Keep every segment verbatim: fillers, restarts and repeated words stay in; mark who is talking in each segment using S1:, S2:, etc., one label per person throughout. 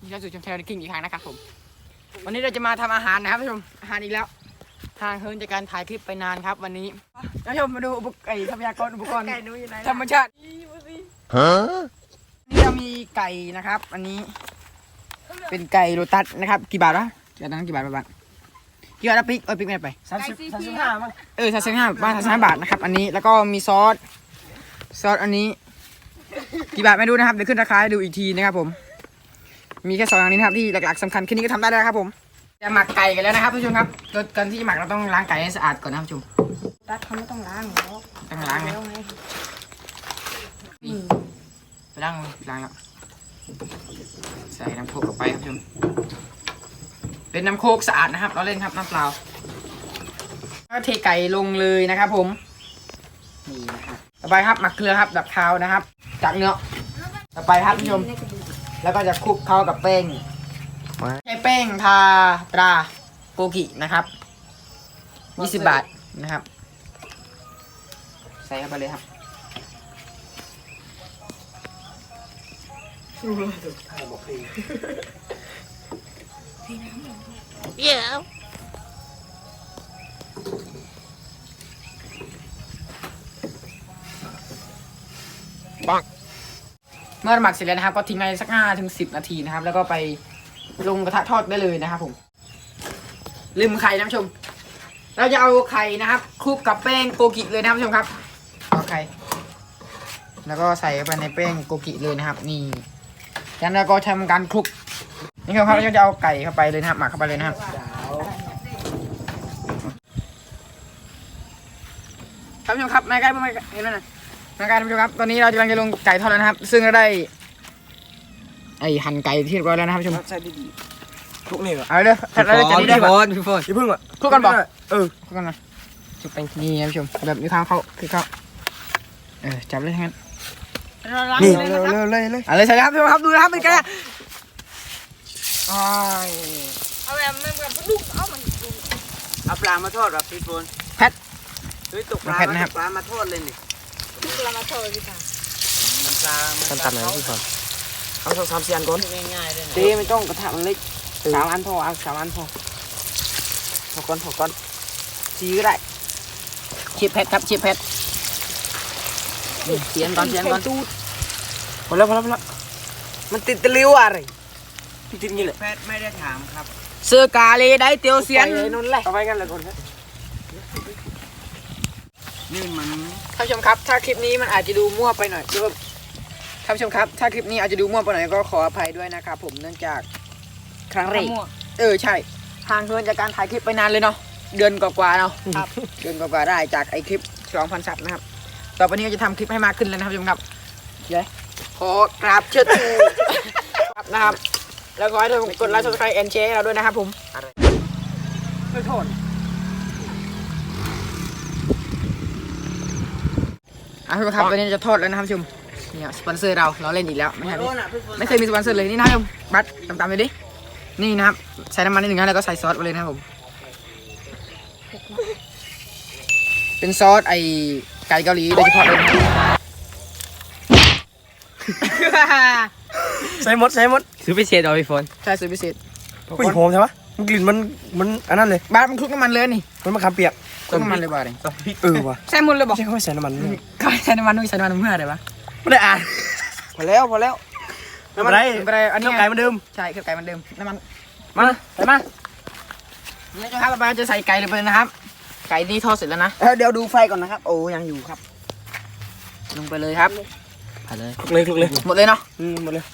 S1: ที่จะสู่ชมเทลกิ้งอีกครั้งนะครับผมวันนี้เราจะมาทำอาหารนะครับท่านผู้ชมอาหารอีกแล้วทางเฮิร์นจากการถ่ายคลิปไปนานครับวันนี้ท่านผู้ชมมาดูอุปกรณ์ไก่ทรัพยากรอุปกรณ์ธรรมชาตินี่เรามีไก่นะครับอันนี้เป็นไก่โรตัสนะครับกี่บาทวะกี่บาทนั้นกี่บาทบาทกี่บาทนะปิ๊กเอ้ยปิ๊กไม่ได้ไปสามสิบสามสิบห้ามั้งเออสามสิบห้าบาทสามสิบห้าบาทนะครับอันนี้แล้วก็มีซอสซอสอันนี้กี่บาทไม่รู้นะครับเดี๋ยวขึ้นราคาให้ดูอีกทีนะครับผมมีแค่สองอย่างนี้นะครับที่หลักๆสำคัญแค่นี้ก็ทำได้แล้วครับผมจะหมักไก่กันแล้วนะครับทุกท่านครับโดยก่อนที่จะหมักเราต้องล้างไก่ให้สะอาดก่อนนะครับทุกท่าน
S2: ตัดเขาไม่ต้องล้างหรอก
S1: ต้องล้างไหมนี่ไปล้างล้างแล้วใส่น้ำโคกเข้าไปครับทุกท่านเป็นน้ำโคกสะอาดนะครับเราเล่นครับน้ำเปล่าก็เทไก่ลงเลยนะครับผมนี่นะครับต่อไปครับหมักเกลือครับดับคาวนะครับจากเนื้อต่อไปครับทุกท่านแล้วก็จะคลุกเข้ากับแป้งใช้แป้งทาตราโกกินะครับยี่สิบบาทนะครับใส่เข้าไปเลยครับเยอะปังเมื่อหมักเสร็จแล้วนะครับก็ทิ้งไว้สักห้าถึงสิบนาทีนะครับแล้วก็ไปลงกระทะทอดได้เลยนะครับผมลืมไข่นะผู้ชมเราจะเอาไข่นะครับคลุกกับแป้งโกกิเลยนะครับผู้ชมครับเอาไข่แล้วก็ใส่ไปในแป้งโกกิเลยนะครับนี่แล้วเราก็ทำการคลุกนี่ครับเราจะเอาไก่เข้าไปเลยนะครับหมักเข้าไปเลยนะครับท่านผู้ชมครับไม่ใกล้ไม่ใกล้เห็นไหมนะไม่ใกล้ท่านผู้ชมครับตอนนี้เรากำลังจะลงไก่ทอดแล้วนะครับซึ่งเราได้ไอหั่นไก่ที่เรียบร้อยแล้วนะครับผู้ชม
S3: ใช่ดีๆคลุกนี่เหรอ
S1: เอาเลยเราจะนี่ได้ป่ะพี่ฝน
S3: พี่พึ่งอ่ะ
S1: คลุกกันป่ะ
S3: เออ
S1: คลุกกันนะจุดไปนี่นะผู้ชมแบบมีความเข้าคือเข้าเออจับเลยทั้งนั้น
S3: นี่เร็วเร็วเลยเลย
S1: เอาเลยใส่ครับผู้ชมครับดูนะครับเป็นไงอ้าย
S2: เอาแบบมันแบบลูกเอามันดู
S3: เอาปลามาทอดแบบพี่ฝน
S1: แพท
S3: เฮ้ยตกปลาปลามาทอดเลยนี่
S2: ลูกเรามาโชว์พี่ตา
S3: มันปลา
S1: ขั้นตอนไหนพี่ฝน
S3: เอาสองสามสี่อันก่อน
S2: ง่ายๆเลย
S3: เต้ไม่ต้องกระทะมันเล็กสามอันพอเอาสามอันพอพอก่อนพอก่อนซีก็ได้
S1: ชิปแพทครับชิปแพทเสียนก่อนเสียนก่อน
S3: พอแล้วพอแล้วพอแล้วมันติดตะลิ้วอะไรพี่ติดงี้แหละแพทย์ไม่ได้ถามครับ
S1: เสื้อกาเลยได้เตียวเสียน
S3: นั่นแหละเอาไว้กันเลยก่อนครับนี่มัน
S1: ท่านผู้ชมครับถ้าคลิปนี้มันอาจจะดูมั่วไปหน่อยคือท่านผู้ชมครับถ้าคลิปนี้อาจจะดูมั่วไปหน่อยก็ขออภัยด้วยนะครับผมเนื่องจากครั้งแรกเออใช่ทางเพื่อนจากการถ่ายคลิปไปนานเลยเนาะเดือนกว่าๆเนาะครับเดือนกว่าๆได้จากไอคลิปสองพันซับนะครับต่อไปนี้ก็จะทำคลิปให้มากขึ้นแล้วนะครับท่านผู้ชมครับเดี๋ยวขอกราบเชิดชูครับนะครับแล้วขอให้ทุกคนกดไลค์ ซับสไครบ์ แอนด์แชร์ให้เราด้วยนะครับผมไม่โทษอ่ะทุกคนครับวันนี้จะทอดแล้วนะครับผู้ชมนี่สปอนเซอร์เราเราเล่นอีกแล้วไม่ใช่ไม่เคยมีสปอนเซอร์เลยนี่นะครับบัตรตามๆเลยดินี่นะครับใส่น้ำมันนิดหนึ่งนะแล้วก็ใส่ซอสไปเลยนะครับผมเป็นซอสไอไก่เกาหลีโดยเฉพาะเลยนะ
S3: ใส่หมดใส่หมด
S1: ซื้อพิเศษเอาพี่ฝนใช่ซื้อพิเศษ
S3: ผู้หญิงหอมใช่ปะมันกลิ่นมันมันอันนั้นเลย
S1: บ้านมันคลุกน้ำมันเลยนี่
S3: มันมะขามเปียก
S1: คลุกน้ำมันเลยบ้าเลย
S3: เออว่ะ
S1: ใส่หมดเลยบอก
S3: ใช่เขาไม่ใส่น้ำมันเลย
S1: เขาใส่น้ำมันด้วยใส่น้ำมันเมื่อไหร่วะ
S3: ไม่ได้อ่านพอแล้วพอแล้วไม่เป็นไร
S1: ไม่เป็นไรอันนี้
S3: ไก่เหมือนเดิม
S1: ใช่คือไก่เหมือนเดิมน้ำมัน
S3: มาใส่มา
S1: นี่นะครับต่อไปเราจะใส่ไก่ลงไปเลยนะครับ ไก่นี่ทอดเสร็จแล้วนะ
S3: เดี๋ยวดูไฟก่อนนะครับโอ้ยังอยู่ครับ
S1: ลงไปเลยครับผ่าเลย
S3: คลุกเลยคลุกเลย
S1: หมดเลยเนาะ
S3: อืมหมดเลย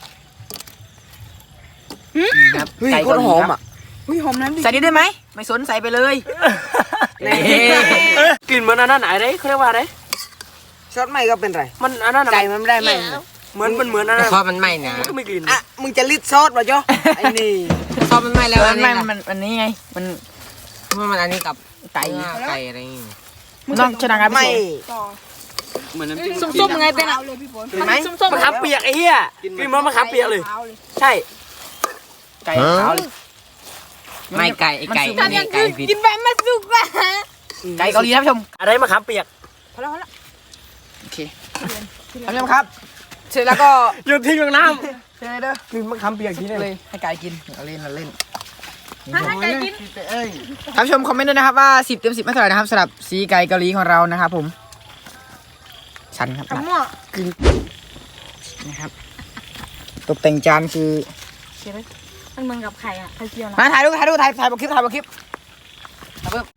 S1: นี่ครับ
S3: เฮ้ย
S1: ไก่
S3: โคตรหอมอ่ะเฮ้ยหอมน้ำดิ
S1: ใส่นิดได้ไหมไม่สนใส่ไปเลย
S3: นี่กลิ่นเหมือนอันนั้นไหนเด้เขาเรียกว่าอะไรซอสไหม้ก็เป็นไรมันอันนั้นไก่มันไม่ได้ไหมเหมือนมันเหมือนอันนั้น
S1: ซอสมันไหม้นะ
S3: มันก็ไม่กลิ่นอ่ะมึงจะลิดซอสป่ะจ๊อไอ้นี่
S1: ซอสมันไหม้แล้วมันไหม้มันมันนี้ไงมันมันอันนี้กับไก่ไก่อะไรนี่มันต้องชนะกัน
S3: ไม่
S2: เหมือนน้ำจิ้มส้มๆไงเป็นอ่ะเลยพี่ฝน
S3: เห็นไหมมะขามเปียกไอ้เหี้ยกลิ่นมันมะขามเปียกเลยใช่
S1: ไก่ขาวเลยไม่ไก่ไก่
S2: ทำอย่างอื่นกินแบบมาสุกว่ะ
S1: ไก่เกาหลีครับผู้ชม
S3: อะไรมะขามเปียก
S2: พอแล้วพอแล้ว
S1: โอเคท่านผู้ชมครับเสร็จแล้วก็
S3: โยนทิ้งลงน้
S1: เชิญเด้อ
S3: กินมะขามเปียกทีเลย
S1: เลยให้กายกินเอาเล่นเอาเล่น
S2: ถ้าให้ไก่กิน
S1: ท่านผู้ชมคอมเมนต์ด้วยนะครับว่าสิบเต็มสิบไม่เท่าไหร่นะครับสำหรับสีไก่เกาหลีของเรานะครับผมชันครับ
S2: ขมั่ว
S1: นะครับตกแต่งจานคือ
S2: มันเหมือนกับไข่อะไข่เจียวนะ
S1: มาถ่ายรูปถ่ายรูปถ่ายถ่ายบนคลิปถ่ายบนคลิปถ่ายเพิ่ม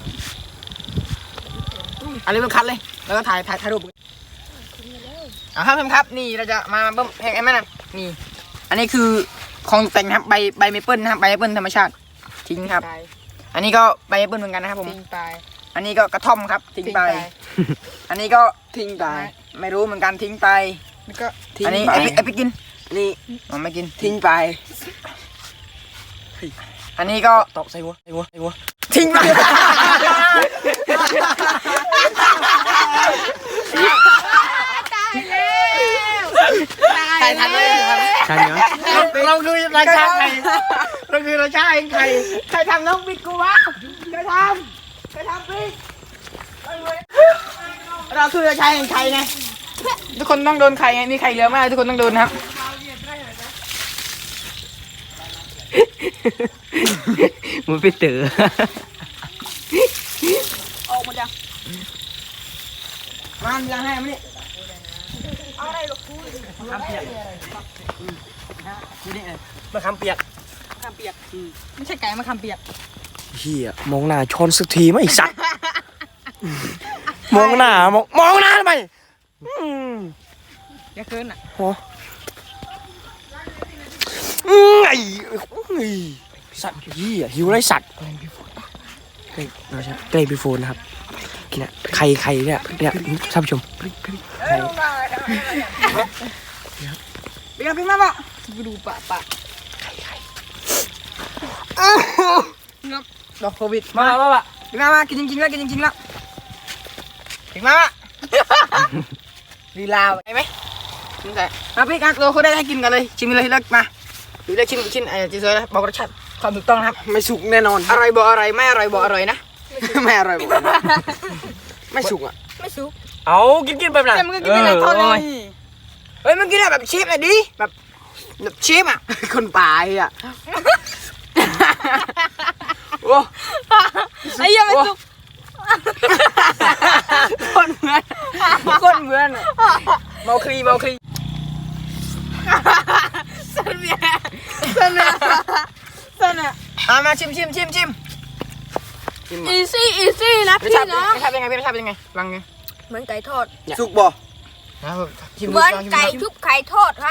S1: อันนี้เป็นคัดเลยแล้วก็ถ่ายถ่ายถ่ายรูปเอาครับท่านผู้ชมครับนี่เราจะมาเบิ่มแห้งไอ้แม่น่ะนี่ อันนี้คือของแต่งนะครับใบใบเมเปิลนะครับใบเมเปิลธรรมชาติทิ้งครับ อันนี้ก็ใบเมเปิลเหมือนกันนะครับผม
S2: ทิ้งไป
S1: อันนี้ก็กระท่อมครับทิ้งไป อันนี้ก็ทิ้งไปไม่รู้เหมือนกันทิ้งไป
S2: แล้วก็
S1: อันนี้ไอ้ปิ๊กไอ้ปิ๊กกินนี่มันไม่กินทิ้งไป อันนี้ก็
S3: ตอกใส่หัวใส่หัวใส่หัว
S1: ทิ้งไปใครทำได้ครับ
S3: ใช่เหรอ
S1: เราคือราชาไข่เราคือราชาเองไข่ใครทำน้องปิ๊กกูวะใครทำใครทำปิ๊กเราคือราชาเองไข่ไงทุกคนต้องโดนไข่ไงมีไข่เหลือมากทุกคนต้องโดนครับ
S3: มันไปเต๋อ
S2: ออกหมดยัง
S1: มาล้างให้มานี่
S2: เอาอะไรลูกคุย
S3: มะขามเปียกมะขามเปียก
S2: มะขามเปียกไม่ใช่ไก่มะขามเปียก
S3: เฮียมองหน้าชนสักทีไหมไอ้สัตว์มองหน้ามองมองหน้าทำไมอืม
S2: อย่าเกินอ่ะ
S3: หัวอืมไอ้ไอ้สัตว์เฮียหิวไรสัตว์เกรดเราใช่เกรดบีโฟนนะครับเนี่ยใครใครเนี่ยเนี่ยท่านผู้ชม
S1: ปิ๊กปิ๊กมาปะ
S2: ไปดูปะปะ
S1: ดอกโควิด
S3: มามามา
S1: ปิ๊กมามากินจริงๆแล้วกินจริงๆแล้วปิ๊กมาปะลีลาวได้ไหมกินใส่มาปิ๊กอ่ะเราเขาได้ให้กินกันเลยชิมเลยเลิกมาดูได้ชิมชิ้นไอ้จีเซอร์นะบอกรสชาติความถูกต้องนะครับ
S3: ไม่สุกแน่นอน
S1: อร่อยบ่อร่อยไม่อร่อยบ่อร่อยนะไม่อร่อยบ่ไม่สุกอ่ะ
S2: ไม่สุก
S3: เอากินกินไปนะ
S2: แต่มันก็กินได้หลายทอดเลย
S1: เฮ้ยมันกินแบบชีฟหน่อยดิแบบแบบชีฟอ่ะ คนป่าอ่ะโอ้
S2: ไอ้ยังไม่สุก
S1: คนเหมือนคนเหมือนเมาคลีเมาคลี
S2: เส้นเบียร์เส้นเบียร์เส้นอ่ะ
S1: มามาชิมชิมชิมชิม
S2: อีซี่อีซี่นะ
S1: รส
S2: พี่
S1: ชาติ
S2: น้อง
S1: รสชาติเป็นไงรสชาติเป็นไงฟังไง
S2: เหมือนไก่ทอด
S1: สุกบ่ชิม
S2: เหมือนไก่ชุบไข่ทอดครับ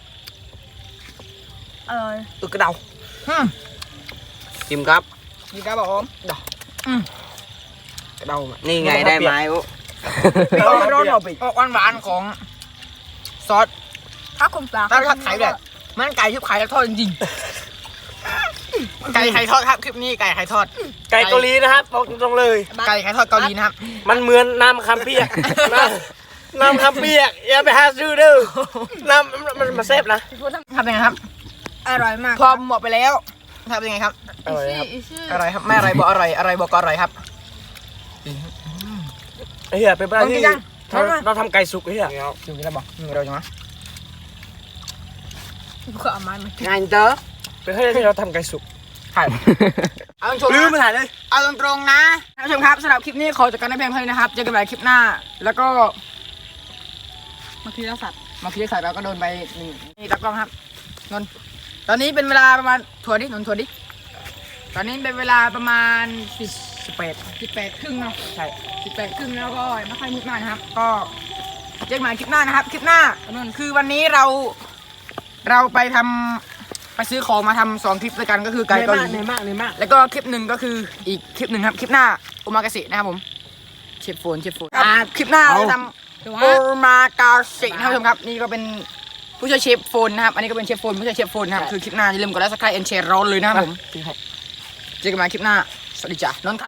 S2: อร่อย
S1: ตึกกระเดา
S3: ชิมครับ
S1: มีกระบอกดอกกระเดา
S3: นี่ไงได้ไหมโอ้
S1: ร้อนร้อนเอาไปออกหวานหวานของซอส
S2: ถ้าคุณปลา
S1: ถ้าทอดไข่แบบมันไก่ชุบไข่แล้วทอดจริงๆไก่ไข่ทอดครับคลิปนี้ไก่ไข่ทอด
S3: ไก่เกาหลีนะครับบอกตรงๆเลย
S1: ไก่ไข่ทอดเกาหลีนะครับ
S3: มันเหมือนน้ำคำเปียกน้ำน้ำคำเปียกอย่าไปหาซื้อเด้อน้ำมันมาเซฟนะ
S1: ทำยังไงครับ
S2: อร่อยมาก
S1: พอหมดไปแล้วทำยังไงครับ
S3: อร่อยครับ
S2: อีซี่
S1: อร่อยครับไม่อร่อยบอกอร่อยอร่อยบอกอร่อยครับ
S3: ไอ้เหี้ยเป็นไปได้
S1: ลองกิ
S3: ที่
S1: นยัง
S3: เราเราทำไก่สุกไอ้เหี้ย
S1: ชิมกันแล้วบอกนี่เราจะมา
S2: ก็เอาไม้มา
S1: งานเตอ
S3: เป็นไปได้ที่เราทำไก่สุก
S1: ใช่เอาตรง
S3: ลืม
S1: ๆ
S3: มา
S1: นะ
S3: ถ่ายเลย
S1: เอาตรงๆนะท่านผู้ชมครับสำหรับคลิปนี้ขอจบกันในเพียงเท่านี้นะครับเจอกันใหม่คลิปหน้า แล้วก็
S2: มาคีสัตว์
S1: มาคิดใส่เราก็โดนไปหนึ่งนี่ตากล้องครับนนท์ตอนนี้เป็นเวลาประมาณถั่วดินนท์ถั่วดิตอนนี้เป็นเวลาประมาณสิบสิบแปดสิบแปดครึ่งเนาะใช่สิบแปดครึ่งแล้วก็ไม่ค่อยมืดมากนะครับ ก็เจอกันใหม่คลิปหน้านะครับ คลิปหน้านนท์คือวันนี้เรา เราไปทำไปซื้อของมาทำสองคลิปด้วยกันก็คือไก่เกาหลี
S3: เหนื่อยมากเหนื่อยมาก
S1: แล้วก็คลิปหนึ่งก็คืออีกคลิปหนึ่งครับคลิปหน้าโอมากาเสะนะครับผมเชฟโฟนเชฟโฟนอ่าคลิปหน้าเราจะทำโอมากาเสะนะครับผู้ชมครับนี่ก็เป็นผู้ช่วยเชฟโฟนนะครับอันนี้ก็เป็นเชฟโฟนผู้ช่วยเชฟโฟนนะครับคือคลิปหน้าอย่าลืมกดไลค์ซับสไครต์แอนแชร์ร้อนเลยนะครับผมเจอกันใหม่คลิปหน้าสวัสดีจ้ะนนท์ครับ